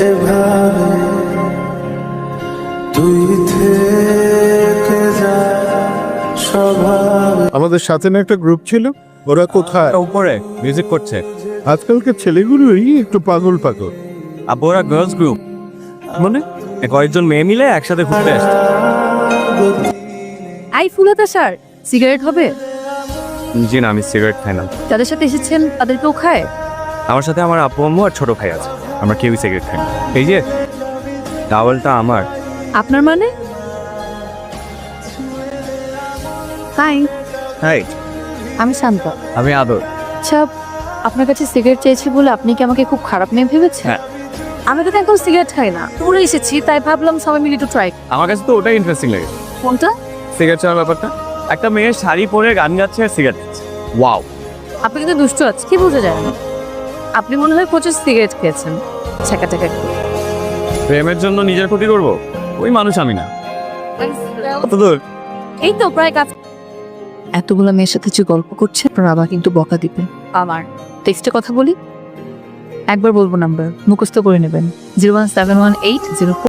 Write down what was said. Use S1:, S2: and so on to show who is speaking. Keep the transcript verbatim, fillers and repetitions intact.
S1: এভাবে তুই থেকে যা স্বভাবে।
S2: আমাদের সাথে না একটা গ্রুপ ছিল, ওরা কোথায়?
S3: উপরে মিউজিক করছে।
S2: আজকালকার ছেলেগুলোই একটু পাগল পাগল।
S3: আব্বু ওরা গার্লস গ্রুপ, মানে কয়েকজন মেয়ে মিলে একসাথে ঘুরতে আসছে।
S4: আই ফুলাতা স্যার, সিগারেট হবে?
S3: জি না, আমি সিগারেট খাই না।
S4: যাদের সাথে এসেছেন তাদের কেউ খায়?
S3: আমার সাথে আমার আব্বু আম্মু আর ছোট ভাই আছে, আমরা কেউই সিগারেট খাই না। এই যে টাওয়ালটা আমার।
S4: আপনার মানে? হাই,
S3: হাই,
S4: আমি শান্ত।
S3: আমি আদর।
S4: আচ্ছা, আপনার কাছে সিগারেট চেয়েছি বলে আপনি কি আমাকে খুব খারাপ মেয়ে ভেবেছেন?
S3: হ্যাঁ।
S4: আমি তো এখন সিগারেট খাই না, পুরো এসেছি তাই ভাবলাম সবাই মিলে একটু ট্রাই।
S3: আমার কাছে তো ওটাই ইন্টারেস্টিং লাগে,
S4: কোনটা?
S3: সিগারেট ছাড়ার ব্যাপারটা। একটা মেয়ে শাড়ি পরে গান গাচ্ছে আর সিগারেট খাচ্ছে। ওয়াও,
S4: আপনি কিন্তু দুষ্ট আছে, কি বোঝা যায় না? আপনি মনে হয় প্রচুর সিগারেট খেয়েছেন। ছেঁকা টেকা
S3: প্রেমের জন্য নিজের ক্ষতি করব, ওই মানুষ আমি না। কত দূর?
S4: এই তো প্রায় কাজ। এতগুলো মেয়ের সাথে যে গল্প করছে, বাবা কিন্তু বকা দিবে আমার। টেক্সটে কথা বলি, একবার বলবো নাম্বার মুখস্থ করে নেবেন, zero one seven one eight zero